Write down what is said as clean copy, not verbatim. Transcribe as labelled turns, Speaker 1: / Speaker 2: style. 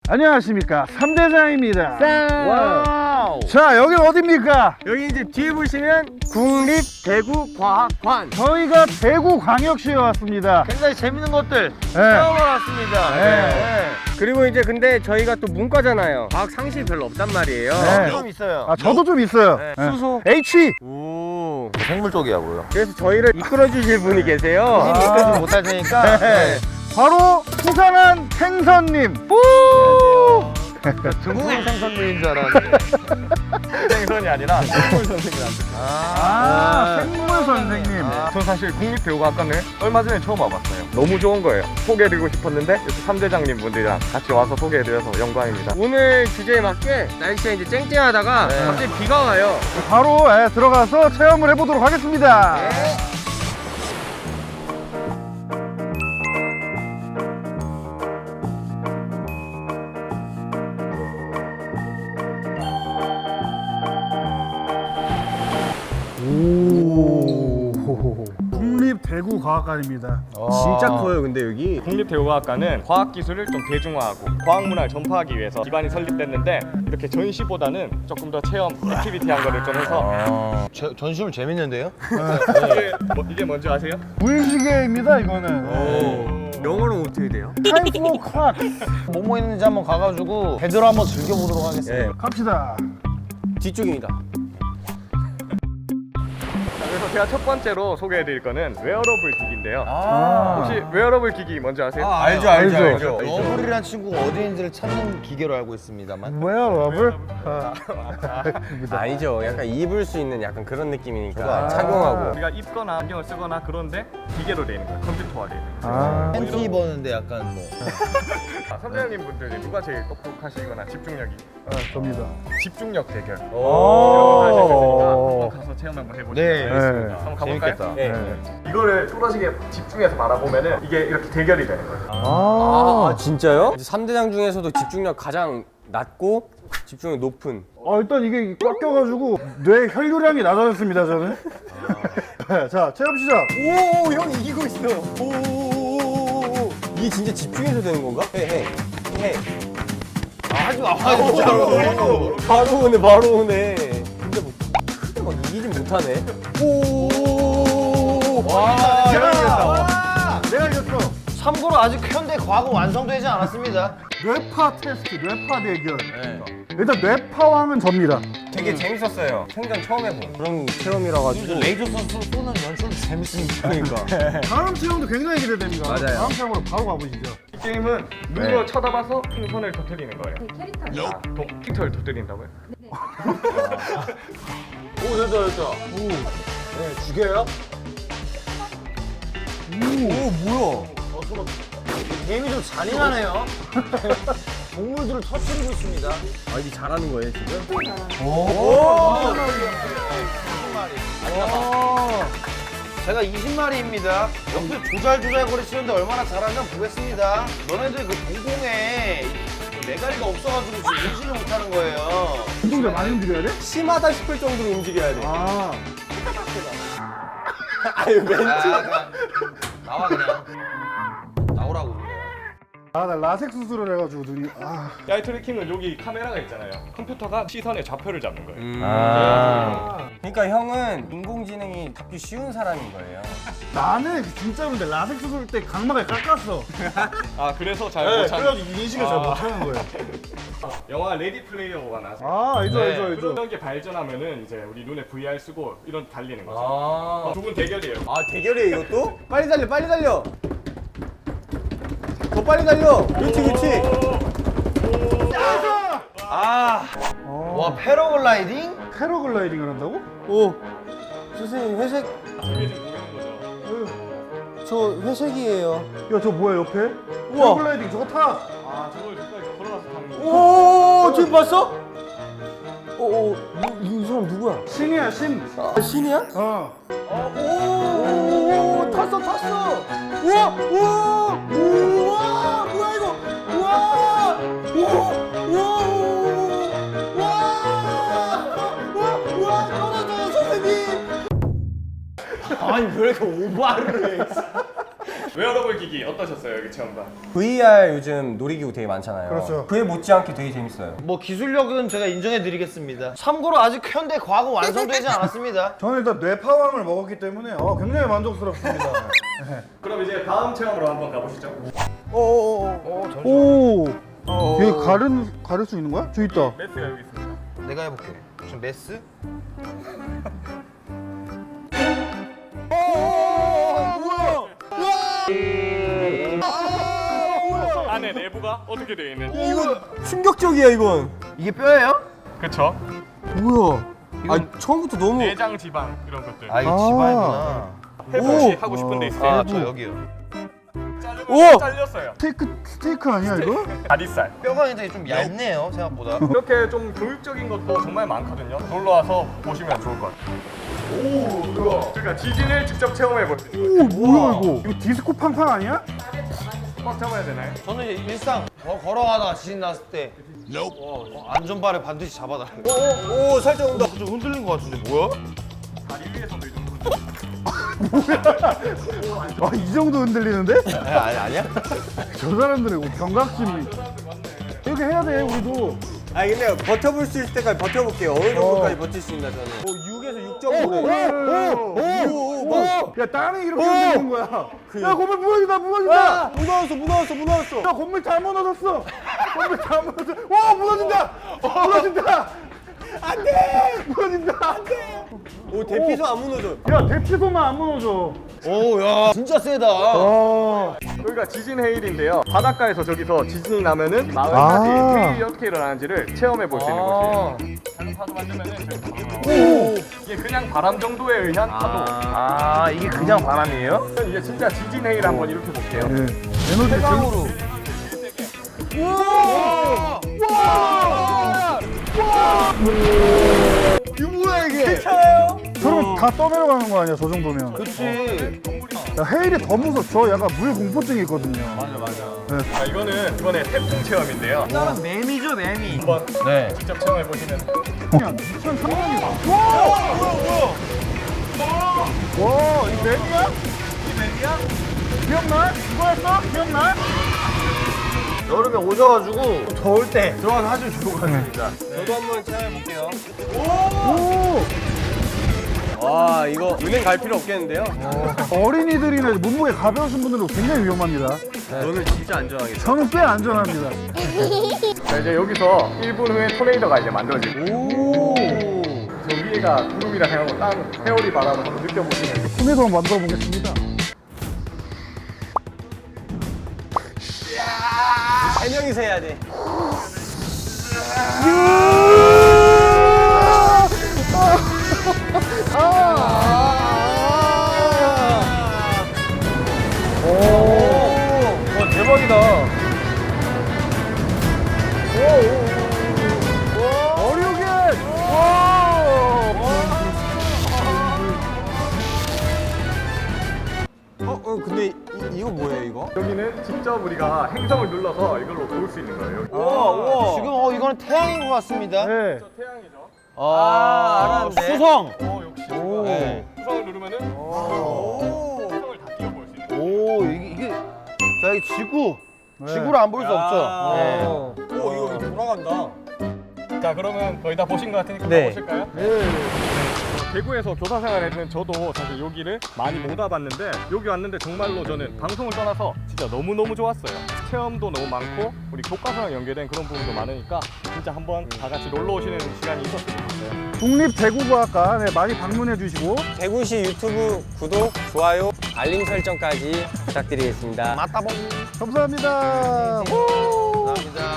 Speaker 1: 안녕하십니까, 삼대장입니다.
Speaker 2: 와우.
Speaker 1: 자, 여긴 어디입니까?
Speaker 2: 여기 이제 뒤에 보시면 국립대구과학관.
Speaker 1: 저희가 대구광역시에 왔습니다.
Speaker 2: 굉장히 재밌는 것들
Speaker 1: 네.
Speaker 2: 체험을 왔습니다.
Speaker 1: 네.
Speaker 2: 그리고 이제 근데 저희가 또 문과잖아요. 과학 상식이 별로 없단 말이에요.
Speaker 1: 네.
Speaker 2: 좀 있어요.
Speaker 1: 아, 저도 좀 있어요.
Speaker 2: 네.
Speaker 1: 네.
Speaker 2: 수소.
Speaker 1: H.
Speaker 2: 오.
Speaker 3: 생물 쪽이라고요.
Speaker 2: 그래서 저희를 이끌어 주실 분이 계세요.
Speaker 1: 아.
Speaker 3: 이끌지 못할 테니까.
Speaker 1: 네. 바로 수상한 생선님.
Speaker 3: 등산 생선님인 줄 알았는데.
Speaker 2: 생선이 아니라 생물 선생님한테.
Speaker 1: 생물 선생님.
Speaker 2: 전 사실 국립대구과학관을 얼마 전에 처음 와봤어요. 너무 좋은 거예요. 소개해드리고 싶었는데 이렇게 삼대장님 분들이랑 같이 와서 소개해드려서 영광입니다. 오늘 주제에 맞게 날씨가 이제 쨍쨍하다가 갑자기 비가 와요.
Speaker 1: 바로 들어가서 체험을 해보도록 하겠습니다. 국립대구과학관입니다.
Speaker 2: 진짜 커요. 근데 여기 국립대구과학관은 과학기술을 좀 대중화하고 과학문화를 전파하기 위해서 기반이 설립됐는데 이렇게 전시보다는 조금 더 체험, 액티비티한 거를 좀 해서
Speaker 3: 전시물 재밌는데요?
Speaker 2: 이게 뭔지 아세요?
Speaker 1: 물시계입니다, 이거는.
Speaker 2: 영어로 어떻게 돼요?
Speaker 1: 타임 플로 클락.
Speaker 3: 뭐뭐 있는지 한번 가가지고 제대로 한번 즐겨보도록 하겠습니다.
Speaker 1: 갑시다.
Speaker 2: 뒤쪽입니다. 그래서 제가 첫 번째로 소개해드릴 거는 웨어러블 기기인데요. 혹시 웨어러블 기기 뭔지 아세요?
Speaker 1: 알죠.
Speaker 3: 러블이란 친구가 어디인지를 찾는 기계로 알고 있습니다만.
Speaker 1: 웨어러블?
Speaker 4: 아니죠. 약간 입을 수 있는 약간 그런 느낌이니까
Speaker 3: 그거
Speaker 4: 착용하고.
Speaker 2: 우리가 입거나 안경을 쓰거나 그런데 기계로 되어 있는 거예요. 컴퓨터화 되어 있는 거예요.
Speaker 3: 팬티 입었는데 약간 뭐.
Speaker 2: 선배님 분들이 누가 제일 똑똑하시거나 집중력이
Speaker 1: 접니다.
Speaker 2: 집중력 대결 이런
Speaker 4: 오.
Speaker 2: 거 하실 테니까 한번 가서 체험 한번 해보시죠.
Speaker 3: 네.
Speaker 2: 한번 가볼까요?
Speaker 3: 재밌겠다.
Speaker 4: 네.
Speaker 2: 이거를 뚜렷하게 집중해서 말아보면은 이게 이렇게 대결이 되는 거예요.
Speaker 4: 아, 진짜요? 3대장 중에서도 집중력 가장 낮고 집중력 높은.
Speaker 1: 일단 이게 꽉 껴가지고 뇌 혈류량이 낮아졌습니다, 저는. 자, 체험 시작.
Speaker 4: 오, 형 이기고 있어. 오. 이게 진짜 집중해서 되는 건가? 해.
Speaker 3: 하지 마.
Speaker 4: 바로 오네. 근데 뭐 크게 막 이기진 못하네. 오.
Speaker 1: 내가 이겼어.
Speaker 3: 참고로 아직 현대 과학은 완성되지 않았습니다.
Speaker 1: 뇌파 테스트, 뇌파 대결.
Speaker 4: 네.
Speaker 1: 일단 뇌파왕은 접니다.
Speaker 4: 되게 재밌었어요. 생전 처음 해본 그런 체험이라 가지고.
Speaker 3: 레이저 쏘는 연출도 재밌으니까.
Speaker 4: 그러니까.
Speaker 1: 다음 체험도 굉장히 기대됩니다.
Speaker 4: 맞아요.
Speaker 1: 다음 체험으로 바로 가보시죠.
Speaker 2: 이 게임은 눈으로 쳐다봐서 풍선을 터뜨리는 거예요.
Speaker 5: 캐릭터입니다.
Speaker 2: 캐릭터를 터뜨린다고요?
Speaker 3: 오, 됐다. 네, 죽여요?
Speaker 4: 뭐야?
Speaker 3: 게임이 좀 잔인하네요. 동물들을 터뜨리고 있습니다.
Speaker 4: 아, 이게 잘하는 거예요, 지금?
Speaker 3: 제가 20마리입니다. 옆에 조잘조잘거리 치는데 얼마나 잘하나 보겠습니다. 너네들 그 공공에 메가리가 없어가지고 지금 인지를 못하는 거예요.
Speaker 1: 운동자 많이 움직여야 돼?
Speaker 4: 심하다 싶을 정도로 움직여야 돼.
Speaker 1: 아,
Speaker 4: 아유, 멘트.
Speaker 3: 나와 그냥. 나오라고 그래.
Speaker 1: 나 라섹 수술을 해가지고 눈이.
Speaker 2: 야이 트래킹은 여기 카메라가 있잖아요. 컴퓨터가 시선의 좌표를 잡는 거예요.
Speaker 4: 그러니까 형은 인공지능이 잡기 쉬운 사람인 거예요.
Speaker 1: 나는 진짜로 근데 라섹 수술 때 각막을 깎았어.
Speaker 2: 아 그래서 잘
Speaker 1: 네,
Speaker 2: 못하는
Speaker 1: 그래가지고 인식을 잘 못하는 거예요.
Speaker 2: 영화 레디 플레이어 원 아세요?
Speaker 1: 알죠,
Speaker 3: 네.
Speaker 1: 알죠.
Speaker 2: 그런 게 발전하면은 이제 우리 눈에 VR 쓰고 이런 달리는 거죠.
Speaker 4: 아,
Speaker 2: 두 분 대결이에요.
Speaker 4: 대결이에요, 이것도? 빨리 달려, 빨리 달려! 더 빨리 달려! 그렇지.
Speaker 3: 와, 패러글라이딩?
Speaker 1: 패러글라이딩을 한다고?
Speaker 4: 오, 선생님, 회색,
Speaker 2: 저게 지금 보이는 거죠.
Speaker 4: 저 회색이에요.
Speaker 1: 야, 저 뭐야, 옆에?
Speaker 4: 우와.
Speaker 1: 패러글라이딩 저거 타!
Speaker 2: 아 저걸 가까이 걸어가서 타는 거.
Speaker 4: 오, 지금 봤어? 이 사람 누구야?
Speaker 1: 신이야, 신.
Speaker 4: 신이야?
Speaker 1: 오,
Speaker 4: 탔어. 우와, 뭐야 이거? 우와, 떨어져요 선생님.
Speaker 3: 아니, 왜 이렇게 오바를 해?
Speaker 2: 웨어러블 기기 어떠셨어요 여기 체험관?
Speaker 4: VR 요즘 놀이기구 되게 많잖아요.
Speaker 1: 그렇죠.
Speaker 4: 그에 못지않게 되게 재밌어요.
Speaker 3: 뭐 기술력은 제가 인정해드리겠습니다. 참고로 아직 현대 과학은 완성되지 않았습니다.
Speaker 1: 저는 일단 뇌파왕을 먹었기 때문에 굉장히 만족스럽습니다.
Speaker 2: 그럼 이제 다음 체험으로 한번 가보시죠.
Speaker 1: 오. 여기 가를 수 있는 거야? 저 있다.
Speaker 2: 매트가 여기 있습니다.
Speaker 3: 내가 해볼게. 지금 메스?
Speaker 2: 안에 내부가 어떻게 되어 있는?
Speaker 4: 이거 충격적이야 이건.
Speaker 3: 이게 뼈예요?
Speaker 2: 그쵸?
Speaker 4: 뭐야? 아 처음부터 너무.
Speaker 2: 내장 지방 이런 것들.
Speaker 3: 아, 이거 지방이구나.
Speaker 2: 혹시 하고 싶은 데 있어요?
Speaker 3: 아, 저 여기요.
Speaker 4: 오!
Speaker 2: 잘렸어요.
Speaker 1: 스테이크 아니야 이거?
Speaker 2: 다리살.
Speaker 3: 뼈가 굉장히 좀 얇네요, 생각보다.
Speaker 2: 이렇게 좀 교육적인 것도 정말 많거든요. 놀러 와서 보시면 좋을 것 같아요. 오, 그거. 그러니까 지진을 직접 체험해 볼 수 있어요.
Speaker 1: 오 뭐야 이거? 이거 디스코 팡팡 아니야?
Speaker 2: 꽉 잡아야 되나요?
Speaker 3: 저는 이제 일상 걸어가다가 지진 났을 때 안전바를 반드시 잡아달라고.
Speaker 4: 오 살짝 온다.
Speaker 3: 좀 흔들린 것 같은데 뭐야?
Speaker 2: 다리 위에서도 이 정도.
Speaker 1: 이 정도 흔들리는데?
Speaker 3: 아니야?
Speaker 1: 저 사람들의 경각심이. 이렇게 해야 돼 우리도.
Speaker 4: 아 근데 버텨볼 수 있을 때까지 버텨볼게요. 어느 정도까지 버틸 수 있나 저는. 6에서 6.5래.
Speaker 1: 오! 야 땀이 이렇게 흘리는 거야. 야 건물 무너진다 무너진다.
Speaker 4: 무너졌어.
Speaker 1: 야 건물 다 무너졌어. 건물 다 무너졌어. 와 무너진다. 무너진다. 안돼. 무너진다. 안돼.
Speaker 4: 오 대피소 안 무너져.
Speaker 1: 야 대피소만 안 무너져.
Speaker 3: 오, 야, 진짜 세다.
Speaker 2: 여기가 지진 헤일인데요. 바닷가에서 저기서 지진이 나면은 마을까지 헤일이 어떻게 일어나는지를 체험해 볼 수 있는 곳이에요. 작은 파도 만들면은 이게 그냥 바람 정도에 의한 파도.
Speaker 3: 아, 이게 그냥 바람이에요?
Speaker 2: 이게 진짜 지진 헤일 한번 이렇게 볼게요.
Speaker 1: 에너지
Speaker 3: 해강으로.
Speaker 1: 이거 뭐야 이게?
Speaker 4: 괜찮아요?
Speaker 1: 저러면 다 떠내려가는 거 아니야 저 정도면.
Speaker 3: 그치.
Speaker 1: 야, 헤일이 더 무서워. 저 약간 물 공포증이 있거든요.
Speaker 4: 맞아.
Speaker 2: 자, 이거는 이번에 태풍 체험인데요.
Speaker 3: 이거는 매미죠, 매미.
Speaker 2: 한번
Speaker 3: 네.
Speaker 2: 직접 체험해 보시면.
Speaker 1: 그냥 2,300이다. 와, 이 매미야? 이 매미야? 기억나? 이거였어? 기억나?
Speaker 3: 여름에 오셔가지고 더울 때 들어가서 하시면 좋을 것 같습니다.
Speaker 4: 저도 한번 체험해볼게요.
Speaker 1: 오!
Speaker 4: 와 이거 은행 갈 필요 없겠는데요?
Speaker 1: 어린이들이나 몸무게 가벼우신 분들은 굉장히 위험합니다.
Speaker 4: 너는 진짜 안전하겠다.
Speaker 1: 저는 꽤 안전합니다.
Speaker 2: 자, 이제 여기서 1분 후에 토네이도가 이제 만들어지고.
Speaker 4: 오.
Speaker 2: 저 위에가 구름이라 생각하고 땅 회오리 바람을 한번 느껴보시면.
Speaker 1: 토네이도 한번 만들어 보겠습니다.
Speaker 4: 3명이서 해야 돼.
Speaker 3: 와, 대박이다.
Speaker 1: 어류게!
Speaker 4: 근데 이거 뭐예요 이거?
Speaker 2: 여기는 직접 우리가 행성을 눌러서 이걸로 볼 수 있는 거예요.
Speaker 4: 우와.
Speaker 3: 지금 이거는 태양인 것 같습니다.
Speaker 1: 네.
Speaker 2: 태양이죠.
Speaker 3: 알았는데. 수성.
Speaker 2: 역시.
Speaker 3: 네.
Speaker 2: 수성을 누르면은 행성을 다 띄워볼 수 있는 거예요.
Speaker 3: 오, 이게 자, 이 지구. 지구를 안 볼 수 없죠. 네.
Speaker 4: 오 이거 돌아간다.
Speaker 2: 자, 그러면 거의 다 보신 것 같으니까
Speaker 4: 네.
Speaker 2: 가보실까요? 대구에서 교사 생활했는 저도 사실 여기를 많이 못 와봤는데 여기 왔는데 정말로 저는 방송을 떠나서 진짜 너무너무 좋았어요. 체험도 너무 많고 우리 교과서랑 연계된 그런 부분도 많으니까 진짜 한번 다 같이 놀러 오시는 시간이 있었으면 좋겠어요.
Speaker 1: 국립대구과학과 많이 방문해 주시고
Speaker 4: 대구시 유튜브 구독, 좋아요, 알림 설정까지 부탁드리겠습니다.
Speaker 3: 맞다봉.
Speaker 1: 감사합니다.
Speaker 3: 감사합니다.